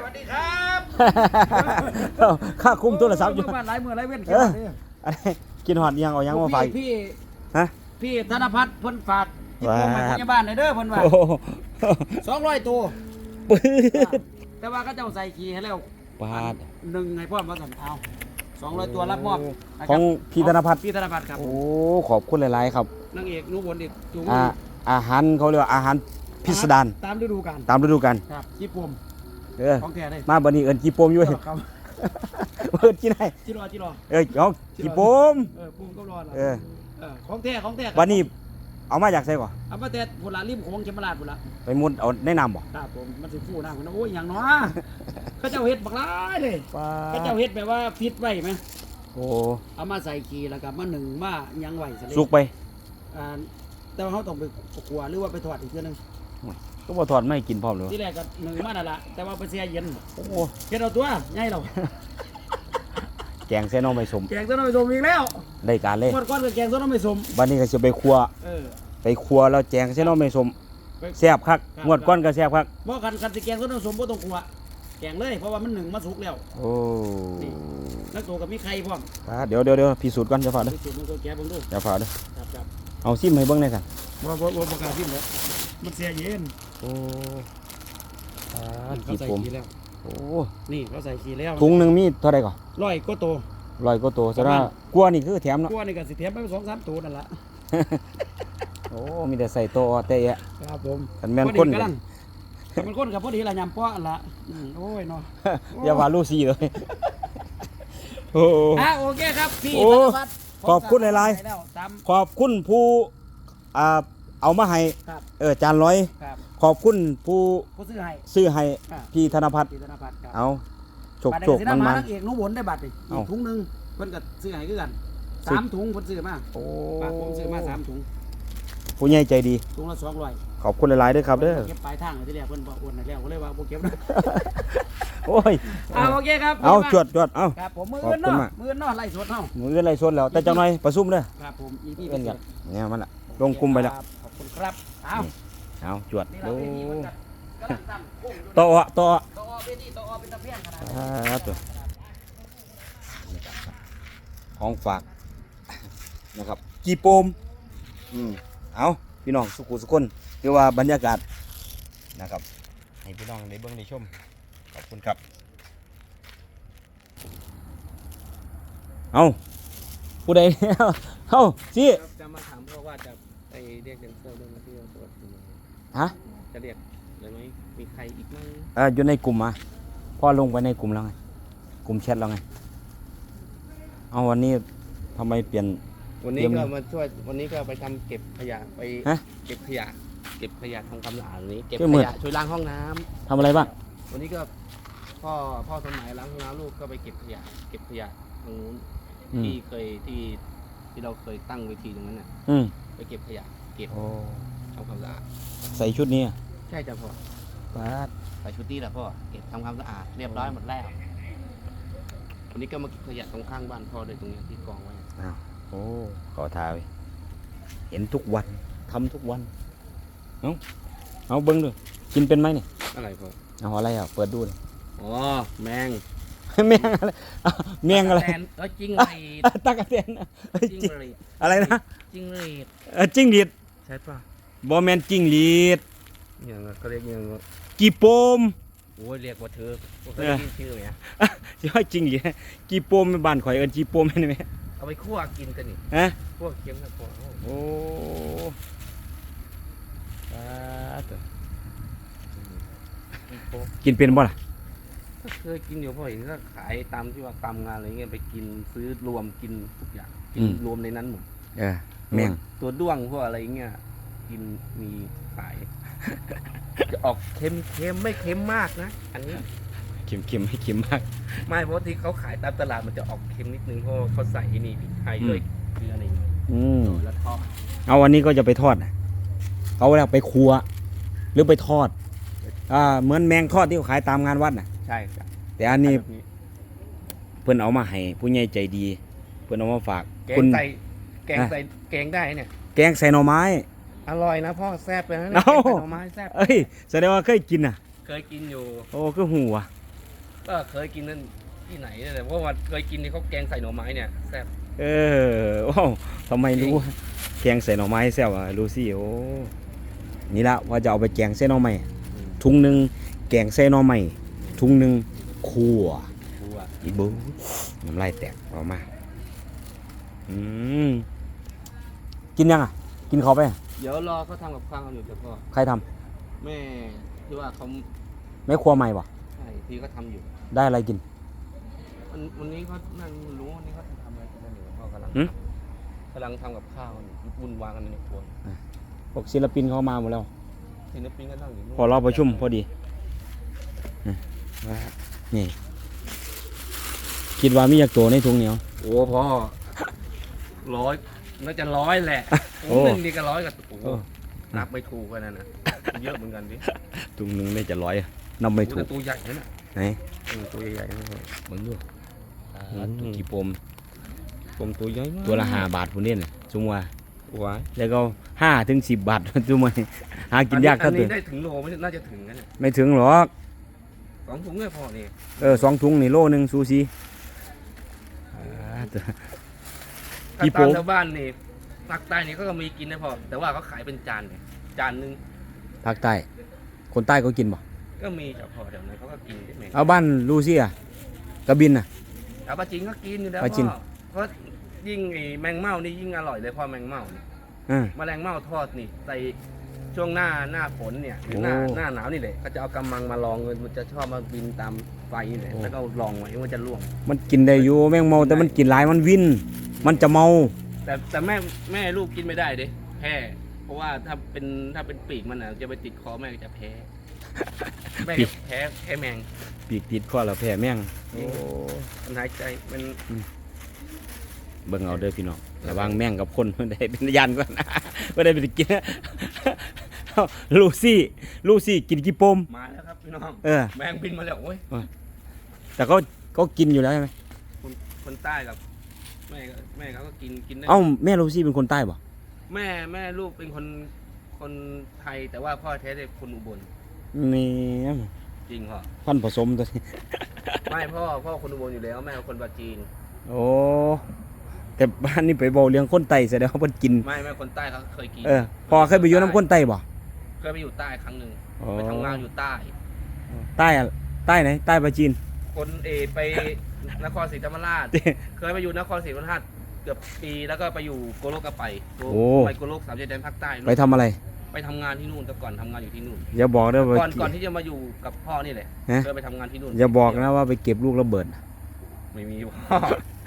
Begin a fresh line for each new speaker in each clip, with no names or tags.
วัสดีครับ
ค่าคุ้มโทรศัพท์อยู่
บ้านหลายมือหลายเว้น
อันนี้กินหอดยังเอายังมาฝาก
พี่
ฮะ
พี่ธนพัฒน์เพิ่นฝากที่ผมมาพยาบาลเด้อเพิ่นว่า
โอ้โห
200 ตัว
ปืด
แต่ว่าก็เจ้าใส่ขี้ให้แล้ว
ปาด
หนึ่งให้พ่อมาสั่นเอา200 ตัวรับมอบนะครับ
ของพี่ธนพัฒน์
พี่ธนพัฒน์ครับ
โอ้ขอบคุณหลายๆครับ
นางเอกหนูบนอีกถุง
อาหารเขาเรียกว่าอาหารพิสดาร
ตามฤดูกาล
ตามฤดูกาล
ครับญี่ปุ่น ของแท้เลย
มาบัดนี้เอิ้นจีโปมอยู่
ครับ
เอิ้นจีไหน
จิรอ
เอาจีโปม
ปุ่มก็รอ
เออ
ของแท้ครับ
วันนี้เอามาจากไสก่อน
เอามาแต่พุ่นละริมโขงเขมราชพุ่นละ
ไปมุดเอาในน้ำบ่
ครับผมมันสิฟูหน้าพุ่นนะโอ้ยอย่างน้อเขาเจ้าเฮ็ดบักหลายเลยเขาเจ้าเฮ็ดแบบว่าฟิตไว้ไหม
โอ้
เอามาใส่ขี้แล้วก็มาหนึ่งมายังไหวซะเลย
สุกไป
แต่ว่าเขาต้องไปขัวหรือว่าไปทอดอีกเทื่อนึง
ก็บ่ถอดไม่ให้กินพร้อมเลย
ที่แรกก็หนึ่งมานั่นละแต่ว่าไปแช่เย็น
โอ้
เฮ็ดเอาตัวง่ายเรา
แกงเส้นน้องไม่สม
แกงต้นน้ำไม่สมอีกแล้ว
ได้การเลย
หมดก้อนกับแกงต้นน้ำไม่สม
บัดนี้ก็จะไปครัว
เออ
ไปครัวแล้วแจงเส้นน้องไม่สม
ไป
แซ่บคักงวดก้อนก็แซ่บคัก
บ่คันสิแกงต้นน้ำสมบ่ต้องขัวแกงเลยเพราะว่ามันหนึ่งมาสุกแล้ว
โอ้
แล้วตัวกับมีไข่พร้อม
เดี๋ยวพิสูจน์ก่อนจะฝากเด้อ
ไปสูตรมันก็แกะเบิ่งดู
จะฝากเด้อ
ครับ
เอาซิมให้เบิ่งหน่อยสั่น
บ่ประกล้าศพิมพ์แล้วมันเสียเย็น
โอ้
เขา
กี่
ใส่
ผม
ขี้แล้ว
โอ้
นี่เขาใส่ขี้แล้ว
ถุงหนึงมีเท่าใดก่อน
ร้อยก็โต
100กว่าตัวซะว่ากลัวนี่คือแถมเนาะ
กลัวนี่ก็สิแถมไป2-3ตัวนั่นล่ะ
โอ้มีแต่ใส่โตะแต่แยะ
ครับผม
คันแม่นคน
กำลังมันคนกับพอดีละยำป้ออันละโอ้ยเนาะ
อย่าว่าลูซี่เลยโอ้
โอเคครับพี่
โอ้
ธนพัฒน์
ขอบคุณหลายๆ
ไปแล้วตาม
ขอบคุณผู้เอามาให้
ครับ
จานร้อย
ครับ
ขอบคุณผู้
ผู้ซื้อให้
ซื้อให้
ครับ
พี่ธนพัฒน์
พี่ธนพัฒน์ครับ
เอาโชค
บัตร
โชค
สิ
มัน
มา
มัน
นักเอกหนูบนได้บัตรอีก
เอ้า
ถุงหนึงเพิ่นก็ซื้อให้คือกัน
ซื้อ
3 ถุงเพิ่นซื้อมา
โอ้
ฝากผมซื้อมา3 ถุง
ผู้ใหญ่ใจดี
ถุงละ200
ขอบคุณหลายๆด้วยครับเด้อ
เก็บปลายทางเลยที่แรกเพิ่นบอกอ้วนให้แล้วก็เลยว่าบ่เก็บนะ
โอ้ย
โอเคครับ
เอา
พี่
จวดเอา
ครับผมมือ
ขอบ
อื่น
คุณ
เนาะ
มาก
มืออื่นเนาะไล่สดเฮา
มือเงินไรสดแล้ว แต่จังหน่อยประชุมเด้อ
ครับผมอีพี่
เอิ้นกันเนี่ยมันละลงกลุ่มไปแล้ว
ขอบคุณครับเอา
เอาจวด
นี่
โอ้
เราเวทีมันกำลังตั้งพุ่งอยู่
ต่อต่อ
ต่อเวทีต่อเป็นตะเพียงขนาด
ตัวของฝากนะครับกีโปมเอาพี่น้องสุขุสุคนคือว่าบรรยากาศนะครับให้พี่น้องได้เบิ่งได้ชมขอบคุณครับเอาผู้ใดเอาสิ
จะมาถามพ่อว่าจะไปเรียกแดนเซอร์ด้วยไหมที่เราตรวจอยู่
ฮะ
จะเรียกเลยไหมมีใครอีกไหม
อยู่ในกลุ่มมาพ่อลงไปในกลุ่มแล้วไงกลุ่มแชทแล้วไงเอาวันนี้ทำไมเปลี่ยน
วันนี้
เยี่ยม
ก็
เลย
มาช่วยวันนี้ก็ไปทำเก็บขยะไป
ฮะ
เก็บขยะทำความสะอาดวันนี้เก็บ
ช่วย
ข
มืด
ยะช่วยล้างห้องน้ำ
ทำอะไรบ้าง
วันนี้ก็พ่อสมัยล้างห้องน้ำลูกก็ไปเก็บขยะตรงนู้น
อืม
ที่เคยที่เราเคยตั้งเวทีตรงนั้นน่ะ
อืม
ไปเก็บขยะเก็บ
โอ้
ทำความสะอาด
ใส่ชุดนี้อะ
ใช่จ้ะพ่อ
ปาด
ใส่ชุดนี้แหละพ่อเก็บทำความสะอาดเรียบร้อยหมดแล้ววันนี้ก็มาเก็บขยะตรงข้างบ้านพ่อเลยตรงเนี้ยที่กองไว้
อ้าวโอ้ขอทาไว้เห็นทุกวันทำทุกวันเอาเบิ้งดูกินเป็นไหมเนี่ย
อะไรพ่อ
เอาอะไรอ่ะเปิดดูเลย
อ๋อแมง
แมงอะไรอ้าวแมงอะไร
แตนจริงหรีด
ตากระเตนเอ้ย
จริง
จิ
หรีด
อะไรนะ
จริงหรีด
จิ้งหรีด
ใช่ป่ะ
บอแมนจิ้งหรีด
อย่างเขาเรียกอย่าง
กีโปม
โอ้ยเรียกว่าเธอเคยได้ยินชื่อไหม
ใช่จิ้งหรีดกีโปมเป็นบ้านข่อยเอิ้นกีโปมเห็นไหม
เอาไปคั่วกินกันนี่
ฮะ
คั่วเค็มนะพ่อ
โอ้ปาด กินเป็นบ่ล่ะ
ก็เคยกินอยู่พ่อเห็นก็ขายตามที่ว่าตามงานอะไรเงี้ยไปกินซื้อรวมกินทุกอย่างกินรวมในนั้นหมด
แมง
ตัวด้วงพวกอะไรเงี้ยกินมีขาย จะออกเค็มไม่เค็มมากนะอันนี้
เค็มให้เค็มมาก
ไม่เพราะที่เขาขายตามตลาดมันจะออกเค็มนิดนึงเพราะเขาใส่ไอ้นี่พริกไทยด้วยเกลืออะไรอย่างเงี้ย แล้วทอด
เอาวันนี้ก็จะไปทอดนะเอาแล้วไปครัว หรือไปทอดเหมือนแมงทอดที่เขาขายตามงานวัดน่ะ
ใช่ครับ
แต่อันนี้
แบบ
เพิ่นเอามาให้ผู้ใหญ่ใจดี เพิ่นเอามาฝาก
แก
คุ
ง
ณ
ใส่แกงใส่แกงได้เนี่ย
แกงใส่หน่อไม้
อร่อยนะพ่อแซ่บเลยนะ
เอ้า
แกงใส่หน่อไม้แซ่บ
เอ้ยแสดงว่าเคยกินน่ะ
เคยกินอยู่
โอ้คือหูอ่ะ
แก็เคยกินนั่นที่ไหนเนี่ยเพราะว่าเคยกินที่เขาแกงใส่หน่อไม้เนี่ยแซ่บ
ว้าวทำไมรู้แกงใส่หน่อไม้แซ่บอ่ะรู้สิโอ้นี่ละว่าจะเอาไปแกงใส่หน่อไม้ถุงหนึ่งแกงใส่หน่อไม้ถุงหนึ่งคั่ว
บัว
อีบูน้ำลายแตกออกมากินยังอ่ะกินเขาไปอ่ะ
เดี๋ยวรอเขาทำกับข้าวอยู่เดี๋ยวพ่อ
ใครท
แม่ที่ว่าเขา
ำแม่ครัวใหม่ป่ะ
ใช่ที่เขาทำอยู่
ได้อะไรกิน
วันนี้เขานั่งรู้วันนี้เขาทำอะไรกันอยู่พ่อกำลัง
หืม
กำลังทำกับข้าวอยู่วุ่นวายกันในครัว
พวกศิลปินเขามาหมดแล้ว
ศิลปินก็นั่งอยู่นู่น
พอเราประชุมพอดีนี่คิดว่ามีอยากตัวในถุงเหนียว
โอ้พ่อร้อยน่าจะ100แหละ
โอ้
หนึ่งนี่ก็100กับโอ้โห
โอ้
นับไม่ถูกกันนั่นนะเยอะเหมือนกันดิ
ถุงหนึ่งได้จะร้อยนำไม่ถูก
แต่ตัวใหญ่นั่นน่ะ
ไหน
ตัวใหญ่ๆนั่นเหมือนด้วย
ตัวกี่ปม
ผมตัวใหญ่มาก
ตัวละ5 บาทพุ่นนี่น่ะจุงว่า
ว้าย
แล้วก็5 ถึง 10 บาท จุงมาหากินยาก
อั
เท่าน ตัว
นี้ได้ถึงโลไม่น่าจะถึงกันเนี่ย
ไม่ถึงหรอก
2 ถุงเนี่ยพอนี่
2 ถุงนี่โลนึงซูชิ
ถ้า
กี่โป๊
ตามชาวบ้านนี่ภาคใต้นี่ก็มีกินนะพอแต่ว่าเขาขายเป็นจานเนี่ยจานหนึง
ภาคใต้คนใต้ก็กินบ่
ก็มีเฉพาะแถวนั้นเขาก็กินได้ไหม
เอาบ้านลูซี่อ่ะกระบินน่ะ
เอาปลาจีนก็กินอยู่แล้ว
ปลาจีน
พ่อเพราะยิ่งไอ้แมงเม่านี่ยิ่งอร่อยเลยพ่อแมงเม่านี่
อ่า
แมลงเม่าทอดนี่ใส่ช่วงหน้าฝนเนี่ยหรือห
โอ้
น้าหนาวนี่แหละก็จะเอากำมังมาลองมันจะชอบมาบินตามไฟนี่แหละ
โอ้
แล้วก็ลองไว้มันจะล่วง
มันกินได้อยู่แมงเมาแต่มันกินหลายมันวิน มันจะเมา
แต่แม่ลูกกินไม่ได้เด้แพ้เพราะว่าถ้าเป็นปีกมันอ่ะจะไปติดคอแม่ก็จะแพ้แม่ก็แพ้แมง
ปีกติดคอแล้วแพ้แมงโอ้
มันหายใจมัน
เบิ่งเอาเด้อพี่น้องระวังแมงกับคน มันได้เป็นยันก่อนนะ ไม่ได้ไปกิน ลูซี่กินกี่ปม
มาแล้วครับพี่น้อง
เออ
แมงบินมาแล้วโอ้ย
แต่เขากินอยู่แล้วใช่ไหม
คนใต้กับแม่เขาก็กินได้
เอ้าแม่ลูซี่เป็นคนใต้ป่ะ
แม่ลูกเป็นคนไทยแต่ว่าพ่อแท้เป็นคนอุบล
นี่
จริงพ่อ
พันธุ์ผสมตัวนี้
ไม่พ่อคนอุบลอยู่แล้วแม่คนปราจีน
โอ้แต่บ้านนี่ไปบอกเรื่องคนไต้แสดงว่าเพิ่นกิน
ไม่คนใต้เขาเคยกิน
พอเคยไปอยู่น้ำคนไต้บ่
เคยไปอยู่ใต้ครั้งหนึ่ง
อ๋อ
ไปทำงานอยู่ใต้
ใต้อะใต้ไหนใต้ปลาจีน
คนไปนครศรีธรรมราช เคยไปอยู่นครศรีธรรมราชเกือบปีแล้วก็ไปอยู่โกโลกก็ไปไปโกโลก3 ชายแดนภาคใต้นู่น
ไปทำอะไร
ไปทำงานที่นู่นแต่ก่อนทำงานอยู่ที่นู่น
อย่าบอกนะว่า
ก่อนที่จะมาอยู่กับพ่อนี่แหละ
ฮะ
เคยไปทำงานที่นู่น
อย่าบอกนะว่าไปเก็บลูกระเบิด
ไม่มีพ่อ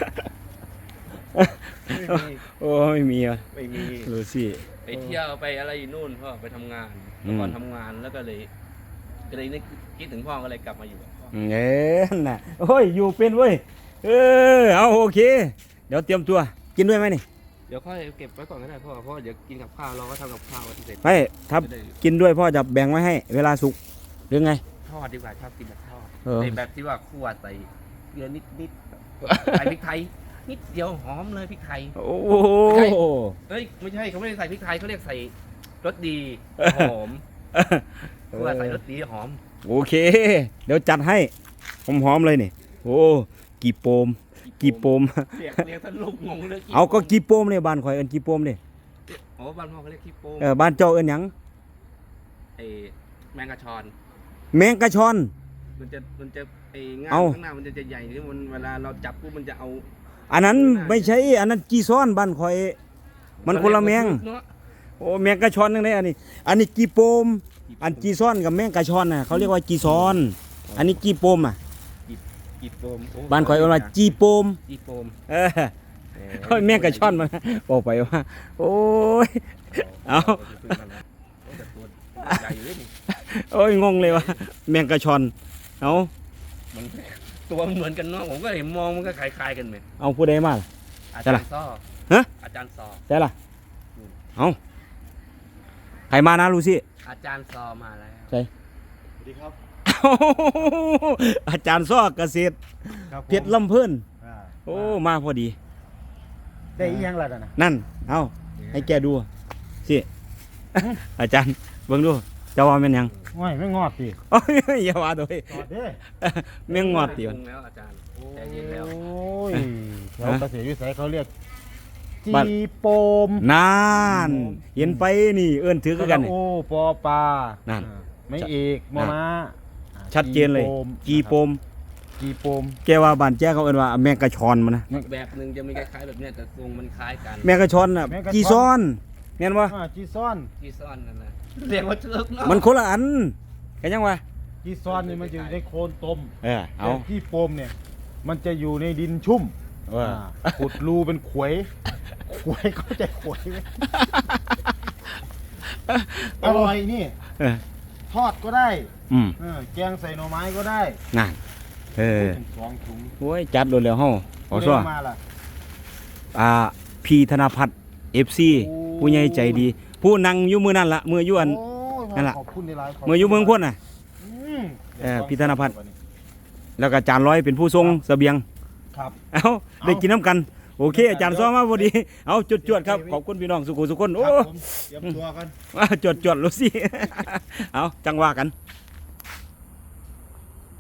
ไม่มี
โอ้ไม่มีอ่ะ
ไม่มี
ลูซี่
ไปเที่ยวไปอะไรอยู่นู่นพ่อไปทำงาน
อืม
ก่อนทำงานแล้วก็เลยนึกคิดถึงพ่อก็เลยกลับมาอยู่กับพ่อ
เอ้น่ะโอ้ยอยู่เป็นเว้ยเอาโอเค เดี๋ยวเตรียมตัวกินด้วยไหมนี่
เดี๋ยวค่อยเก็บไว้ก่อนก็ได้พ่อเพราะว่าเดี๋ยวกินกับข้าวเราก็ทำกับข้าวที่เสร็จ
ไม่ถ้า
จะได้
กินด้วยพ่อจะแบ่งไว้ให้ เวลาสุกหรือไง
ทอดดีกว่าชอบกินแบบทอด
เออ
ในแบบที่ว่าคั่วใส่เกลือนิดใส่พริกไทยนิดเดียวหอมเลยพริกไทย
โอ้
ใช่ เฮ้ยไม่ใช่เขาไม่ได้ใส่พริกไทยเขาเรียกใส่รสดีหอมคั่วใส่รสดีหอม
โอเค เดี๋ยวจัดให้หอมๆเลยนี่โอ้กี่โปมกี่โปม
เรียกท่านลูกงงเลย
เอาก็กี่โปมเนี่ยบ้านข่อยเอิ้นกี่โปมเนี่ย
โอ้บ้านพ่อเขาเรียกขี้โป้ง
บ้านเจ้าเอิ้นหยัง
ไอ้แมงกะชอน
แมงกะชอน
มันจะไอ้ง่าม
เอา
ข้างหน้ามันจะใหญ่ที่มันเวลาเราจับปุ๊บมันจะเอา
อันนั้นไม่ใช่อันนั้นกีซ้อนบ้านข่อย มันคนละแมง
เนาะ
โอ้แมงกะชอนนึงได้อันนี้กีโปม อันกีซ้อนกับแมงกะชอนน่ะเขาเรียกว่ากีซ้อน อันนี้กีโปมอ่ะ
กีโปมโ
บ้านข่อยเอิ้นว่าจีโปม
กีโปม
เออเฮ้ยแมงกะชอนมันบอกไปว่า โอ้ย เอา
แต่ตัวใหญ่อยู่เลยนี่
โอ้ยงงเลยว่าแมงกะชอนเอา
มันตัวมันเหมือนกันเนาะผมก็เห็นมองมันก็คล้ายๆกันไหม
เอาผู้ใดมาล่ะ
อา
ใช่
จาร
ล่ะ
ย์ซ้อ
ฮะ
อาจารย์ซอ
ใช่ล่ะเอาใครมานะลูซี่
อาจารย์ซอมาแล้ว
ใช่
สวัสดีครับ
อาจารย์ซ้อเกษตร
ครับผม
เพชรลำเพิ่น
อ่า
โอ้มาพอดี
ได้อีหยังล่ะนะ
นั่น เอาให้แกดูสิ อาจารย์เบิ่งดูเจะว่าเป็นหยัง
ห
ง่ายไม่งอดสิ
โอ้ยอย่าว่าโดย
จอดเด้
แม่งงอดติ
ป
ว
รุงแล้วอาจารย์ใจเย็นแล้ว
โอ้ยแถวเกษตรวิสัยเขาเรียกจี
บ้าน
โปม
นานเห็นไปนี่เอิ้นถือคือกันนี่
โอ้ปอปลา
นั่น
ไม่เอกมอม้า
ชัดเจนเลยกีโปม
จีโปม
แกว่าบ้านแจ้เขาเอิ้นว่าแมงกะชอนมันนะ
แบบหนึ่งจะมีคล้ายๆแบบเนี้ยแต่ทรงมันคล้ายกัน
แมงกะชอนน่ะกีซ้อนแม่นบ่
จีซ่อน
ที่ซ่อนนั่นนะเรียกว่าเชือกเนาะ
มันคนละอันกันยังวะ
จีซ่อนนี่มันจะอยู่ในโคลนตม
เอา
แต่จีโปมเนี่ย มันจะอยู่ในดินชุ่ม
ว่า
ขุดรูเป็นขวยขวยเข้าใจขวยไหมอร่อยนี่
เออ
ทอดก็ได้
อืม
แกงใส่หน่อไม้ก็ได้
นั่นเออ
สองถุง
โอ้ยจัดโดนแล้วเฮาขอ
เรี
ซัวย
กมาล่ะ
พีธนพัฒน์ FC
โอ้
ผู้ใหญ่ใจดี ผู้นั่งอยู่มือนั่นละมืออยู่อัน
โอ้ย
นั่นล่ะ
ขอบคุณในไลน์ขบคุณ
มืออยู่เมืองพ้นน่ะ
อืม
พี่ธนพัฒน์ แล้วก็อาจารย์ร้อยเป็นผู้ทรงเสบียง
ครับ
เอาได้กินน้ำกัน โอเค อาจารย์ซ้อมมาพอดี เอาจวดๆครับ ขอบคุณพี่น้องสุขุสุขคน
ค
โอ้
รับผมเตรียมตัวกัน
จวดๆรู้สิ เอาจังว่ากัน